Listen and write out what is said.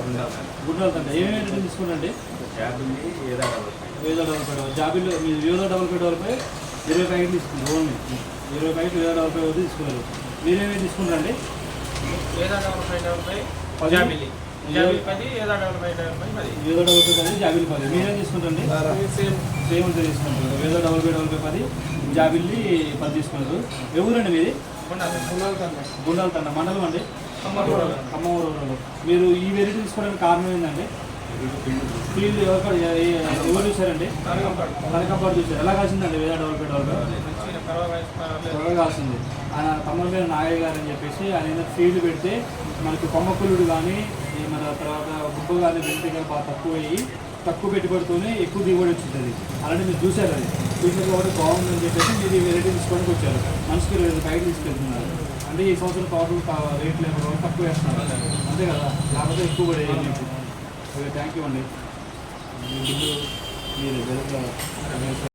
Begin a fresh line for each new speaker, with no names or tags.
గుండాల తండ ఏమేమి తీసుకుంటండి? వేద double five జాబిల్లో మీరు వేద డబల్ ఫైవ్ డబల్ ఫైవ్ 20 ప్యాకెట్లు తీసుకుంటారు. ఓన్లీ 20 ప్యాకెట్లు వేద డబల్ ఫైవ్ వద్ద తీసుకున్నారు. మీరేమేమి తీసుకుంటారండి?
Veda double five double five జాబిల్లి జాబిల్ 10 Veda double five double five 10
Veda double five 10 Jabil 10. మీరేం తీసుకుంటారండి? సేమ్ అంతా తీసుకుంటారు. వేద డబల్ ఫైవ్ డబల్ ఫైవ్ 10 జాబిల్లి 10 తీసుకున్నారు. ఎవరండి మీది? గుండాల తండ మండలం అండి, ఖమ్మం. మీరు ఈ వెరైటీ తీసుకోవడానికి కారణం ఏంటండి? ఫీల్డ్ ఎవరు చూసారండి? కనకంపాడు చూసారు. ఎలా కాసిందండి వేద డబల్ ఫైవ్ డబల్ ఫైవ్? త్వరగా కాసింది. ఆయన తమ్ముడు మీద నాగయ్య గారు అని చెప్పేసి ఆయన ఫీల్డ్ పెడితే మనకి కొమ్మకులుడు కానీ మన తర్వాత గుబ్బ కానీ వెంటనే బాగా తక్కువ పెట్టుబడితోనే ఎక్కువ దిగుబడి వచ్చింది. అలాంటి మీరు చూసారు. అది చూసారు కాబట్టి బాగుందని చెప్పేసి మీరు వెరైటీ తీసుకోవడానికి వచ్చారు. మనిషికి 20 ప్యాకెట్లు తీసుకెళ్తున్నారు. అంటే ఈ సంవత్సరం తోటలు రేట్లు ఏమో తక్కువ వేస్తున్నారు అంతే కదా, లేకపోతే ఎక్కువ పడేది మీకు. ఓకే, థ్యాంక్ యూ అండి. మీరు